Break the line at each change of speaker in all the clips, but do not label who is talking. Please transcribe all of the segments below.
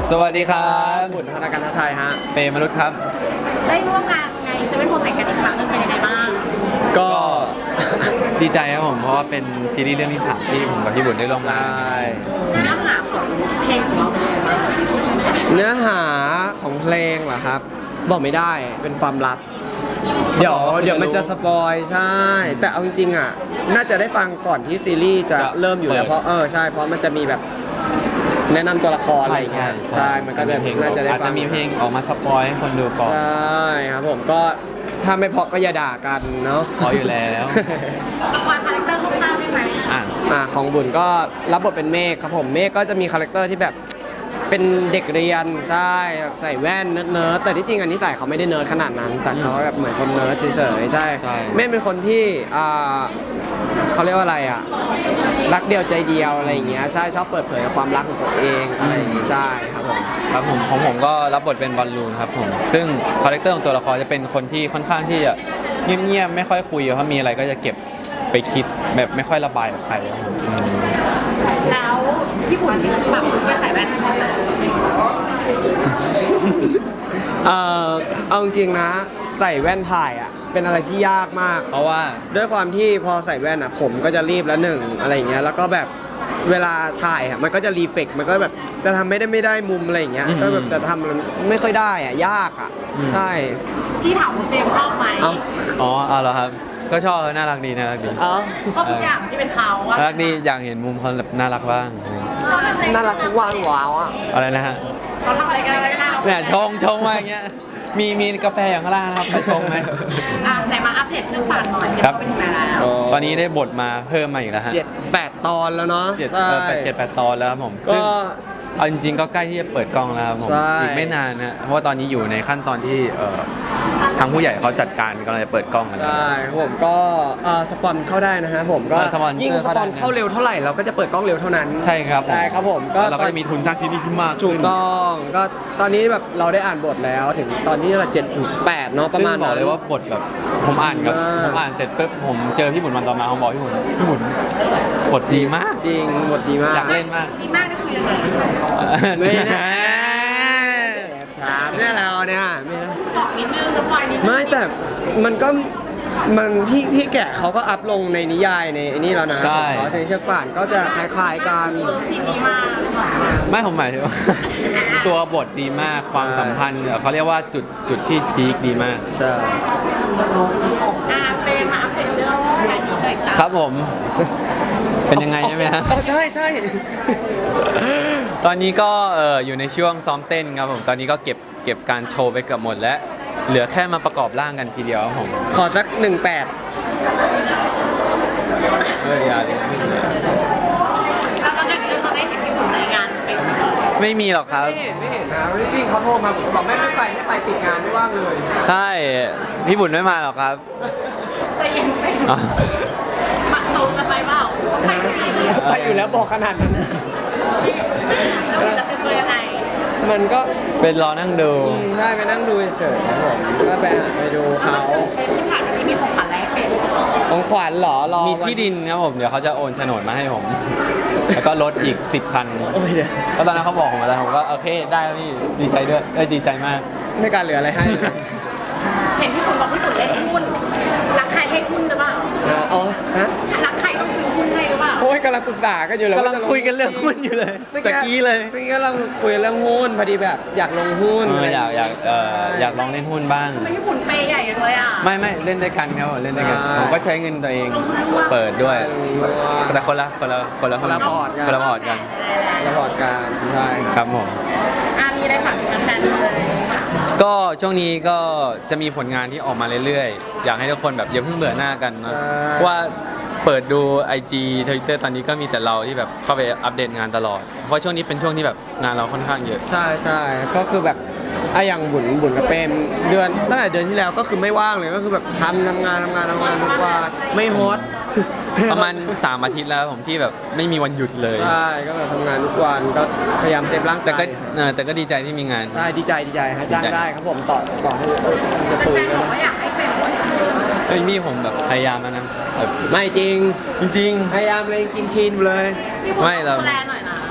สวัสดีครับ
บุญธนาการชัยฮะ
เปมรุษครับ
ได้ร่วมงานในเซเว่นโปรเจกต์กันอีกครั้งนึงเป็นยังไงบ้าง
ก็
ดีใจครับผมเพราะว่าเป็นซีรีส์เรื่องที่3ที่ผมกับพี่บุญได้ร่วมงาน
เนื้อหาของเพลงของเราเป็นยังไงบ้าง
เนื้อหาของเพลงเหรอครับ บอกไม่ได้เป็นความลับ เดี๋ยวมันจะสปอยใช่ แต่เอาจริงๆอ่ะน่าจะได้ฟังก่อนที่ซีรีส์จะเริ่มอยู่แล้วเพราะใช่เพราะมันจะมีแบบแนะนำตัวละครอะไรอย่างเงี้ยใช่มันก็จะน่าจะได้ฟัง
อาจจะมีเพลงออกมาสปอยให้คนดูก่อน
ใช่ครับผมก็ถ้าไม่เพราะก็อย่าด่ากันเนาะ
พออยู่แล้ว
สปอยคาแรคเตอร์คร่าวๆได้ไหม
ของบุญก็รับบทเป็นเมฆครับผมเมฆก็จะมีคาแรคเตอร์ที่แบบเป็นเด็กเรียนใช่แบบใส่แว่นเนิร์ดแต่ที่จริงอันนี้ใส่เขาไม่ได้เนิร์ดขนาดนั้น แต่เขาแบบเหมือนคนเนิร์ดเฉยๆใช่เมฆเป็นคนที่เขาเรียกว่าอะไรอ่ะรักเดียวใจเดียวอะไรอย่างเงี้ยใช่ชอบเปิดเผยความรักของตัวเองอะไรอย่างงี้ใช่ครับผม
ครับผมของผมก็รับบทเป็นบอลลูนครับผมซึ่งคาแรคเตอร์ของตัวละครจะเป็นคนที่ค่อนข้างที่จะเงียบๆไม่ค่อยคุยเพราะมีอะไรก็จะเก็บไปคิดแบบไม่ค่อยระบายกับใคร
แล้วพี่บุญแบบไม่ใส่แว่นเขาเลย
เอาจริงนะใส่แว่นถ่ายอ่ะเป็นอะไรที่ยากมาก
เพราะว่า
ด้วยความที่พอใส่แว่นอ่ะผมก็จะรีบแล้วหนึ่งอะไรอย่างเงี้ยแล้วก็แบบเวลาถ่ายอ่ะมันก็จะรีเฟกมันก็แบบจะทำไม่ได้มุมอะไรอย่างเงี้ยก็แบบจะทำมันไม่ค่อยได้อ่ะยากอ่ะใช่
พี่ถามคุณเฟรมชอบไหม
อ๋อเหรอครับก็ชอบน่ารักดี
ชอบทุกอย่างที่เป็นเขา
น่ารักดีอยากเห็นมุมเขาแบบน่ารักบ้าง
น่ารักว่างว้าวอ่ะ
อะไรนะฮะ
เขาทำอะไรกัน
เนี่ยชงมาอย่างเงี้ยมีกาแฟอย่างข้างล่างนะครับไปชงไหม
ไหนมาอัปเดตเรื่องป่านหน่อย
ครับ
เป็นยังไงแล้ว
ตอนนี้ได้บทมาเพิ่มมาอีกแล้วฮะ
7-8 ตอนแล้วเนาะ
7-8 ตอนแล้วครับผมก็เอาจริงๆก็ใกล้ที่จะเปิดกล้องแล้วครับผมอีกไม่นานนะเพราะว่าตอนนี้อยู่ในขั้นตอนที่ทางผู้ใหญ่เขาจัดการกำลังจะเปิดกล้อง
ใช่ผมก็สปอนเข้าได้นะฮะผมก็ยิ่งสปอนเข้าเร็วเท่าไหร่เราก็จะเปิดกล้องเร็วเท่านั้น
ใช่ครับ
ใช่ครับผม
ก็เราก็จะมีทุนสร้างซีรีส์ที่มาก
ถูกต้องก็ตอนนี้แบบเราได้อ่านบทแล้วถึงตอนนี้เรา7-8เนาะประมาณ
นั้นบอกเลยว่าบทแบบผมอ่านเสร็จปุ๊บผมเจอพี่บุญวันต่อมาผมบอกพี่บุญบทดีมาก
จริงบทดีมาก
อยากเล่นมาก
ดีมากนี่คือยังไง
ไม่นะถามเนี่ยเราเนี่ยไม่นะ
บอกนิดนึงสปอยนิดนึง
ไม่แต่มันก็พี่แกะเขาก็อัพลงในนิยายในนี่แล้วนะเขาเชือกป่านก็จะคล้ายๆกัน
ซีดีมาก
ไม่ผมหมายถึงว่าตัวบทดีมากความสัมพันธ์เขาเรียกว่าจุดที่พีคดีมาก
ใช่
เป็นมาอัปเดตเรื่องการยิงเลย
ครับผมเป็นยังไงใช่ไหมฮะ
ใช่
ตอนนี้ก็อยู่ในช่วงซ้อมเต้นครับผมตอนนี้ก็เก็บการโชว์ไปเกือบหมดแล้วเหลือแค่มาประกอบร่างกันทีเดียวครับผม
ขอสัก18
อย่าเลย
แล้วก็เราได้เห็นพี่บุญในงานเป็น
ไม่มีหรอกครับ
ไม่เห็นนะจริงเขาโทรมาบอกไม่ไปติดงานไม่ว่างเลย
ใช่พี่บุญไม่มาหรอกครับ
จะยังไม่มาโตจะไปเปล่า
ไปอยู่แล้วบอกขนาดนั้น
แล้วจะเป็นตัวยังไง
มันก็
เป็นรอนั่งดู
ใช่ไปนั่งดูเฉยๆครับผมก็ไปดูเขา
ที่ผ่านมามีของขวัญอะไรเป็น
ของขวัญเหรอ
มีที่ดินครับผมเดี๋ยวเขาจะโอนโฉนดมาให้ผมแล้วก็รถอีก10 คันก็ตอนนั้นเขาบอกผมมาแล้วผมก็โอเคได้พี่ดีใจด้วยดีใจมาก
ไม่การเหลืออะไรให้
เห็นพี่บุญบอกพี่บุญเล่นหุ้นรักใครให้หุ้นหรือเปล่ารักใครต้องซื้อหุ้นให้หรือเปล่า
โอ้ยกำลังปรึกษากันอยู่เลย
กำลังคุยกันเรื่องหุ้นอยู่เลยตะกี้เลย
ตะกี้กำลังคุยเรื่องหุ้นพอดีแบบอยากลงหุ้น
อยากลองเล่นหุ้นบ้าง
ไม่ญี่ปุ่นเปย์ใหญ่เลยอ่ะ
ไม่เล่นด้วยกันครับเล่นด้วยกันผมก็ใช้เงินตัวเองเปิดด้วยแต่คนละพอร์ตกัน
คนละพอร์ตกันใช่
ครับผม
มีอะไรฝากถึงแฟนๆเลย
ก็ช่วงนี้ก็จะมีผลงานที่ออกมาเรื่อยๆอยากให้ทุกคนแบบอย่าเพิ่งเบื่อหน้ากันนะว่าเปิดดู IG Twitter ตอนนี้ก็มีแต่เราที่แบบเข้าไปอัปเดตงานตลอดเพราะช่วงนี้เป็นช่วงที่แบบงานเราค่อนข้างเยอะ
ใช่ก็คือแบบอย่างบุญกับเปมตั้งแต่เดือนที่แล้วก็คือไม่ว่างเลยก็คือแบบทำงานทุกวันไม่ฮอต
ประมาณ3 อาทิตย์แล้วผมที่แบบไม่มีวันหยุดเลย
ใช่ก็แบบทำงานทุกวันก็พยายามเซฟร่างกาย
แต่ก็ดีใจที่มีงาน
ใช่ดีใจฮะจ้างได้ครับผมต่อให้จะ
คุยกันอยากให้เป็น
นี่ผมแบบพยายามแล้วนะ
ไม่จริง
พยายาม
เลยกินคีนเลย
ไม่เรา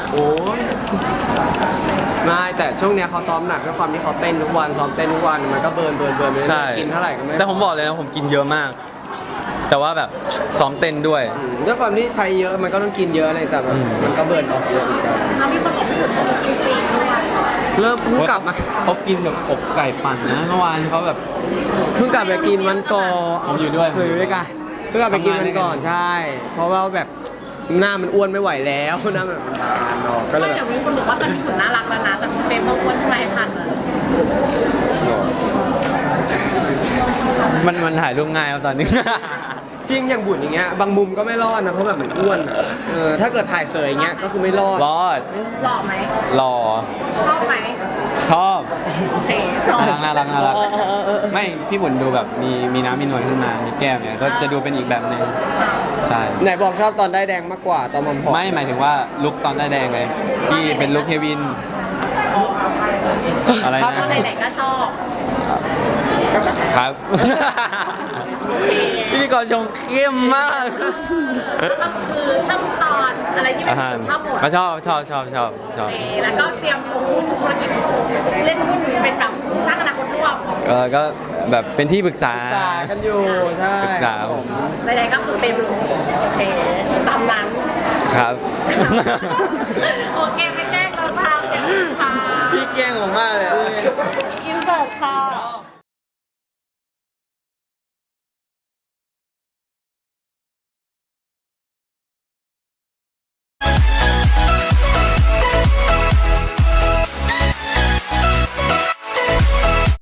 โอ้ยไม่แต่ช่วงเนี้ยเขาซ้อมหนักด้วยความที่เขาเต้นทุกวันซ้อมเต้นทุกวันมันก็เบิร์นไปเรื่
ใช่
อยๆกินเท่าไหร่ก็ไม่
แต่ผมบอกเลยนะผมกินเยอะมาก แต่ว่าแบบซ้อมเต้นด้วย
ด้วยความที่ใช้เยอะมันก็ต้องกินเยอะเลยแต่แบบมันก็เบิร์นออกเยอะเหมือนกัน
เรามีคนบอกพี่ขุนชอบกินฟรีด้วย
เริ่มเพิ่งกลับมา
เขากินแบบอกไก่ปั่นนะเมื่อวานเขาแบบ
เพิ่งกลับไปกินวันก่อน
ผมอยู่ด้วย
เคยอยู่ด้วยกันเพิ่งกลับไปกินวันก่อนใช่ เพราะว่าแบบหน้ามันอ้วนไม่ไหวแล้วหน้ามันบานออกก็เลย
ไม่
แบ
เดี๋ย
บ
วมีคนบอกว่าตอนพี่ขุนน่ารักแล้วนะแต่เฟรมเขาอ้วนขึ้นมาให้ทันเลย
มันถ่ายรูปง่ายครับตอนนี้
จริงอย่างบุญอย่างเงี้ยบางมุมก็ไม่รอดนะเพราะแบบมันอ้วนอะถ้าเกิดถ่ายเสยอย่างเงี้ยก็คือไม่รอด
รอด
หล่อไหม
หล่อ
ชอบไหม
ชอบ
โอเคชอบ
น่ารักไม่พี่บุญดูแบบมีน้ำมีนวลขึ้นมามีแก้มเนี่ยก็จะดูเป็นอีกแบบหนึงใช่
ไหนบอกชอบตอนได้แดงมากกว่าตอนผอมๆ
ไม่หมายถึงว่าลุกตอนได้แดงเลยที่เป็นลุกเฮวิน อะไร
ตอ
นะ
นไหนๆก็ชอบ
ครับ พิธีกรชงเข้มมาก
ก็คือชอบตอนอะไรที่เป็นชอบหมด
ก็ชอบ
แล้วก็เตรียมลงหุ้นธุรกิจเล่นหุ้นเป็นแบบสร้างอนาคตร่วม
ก็แบบเป็นที่ปรึกษา
ปรึกษากันอยู่ใช่
ปรึกษาผม
ใดๆก็คือเป็นโอเคตามนั้น
ครับ
โอเคไปแจ้งเราทางค่ะ
พี่แกล้งผมมากเลยอะ
อินเสิร์ตค่ะ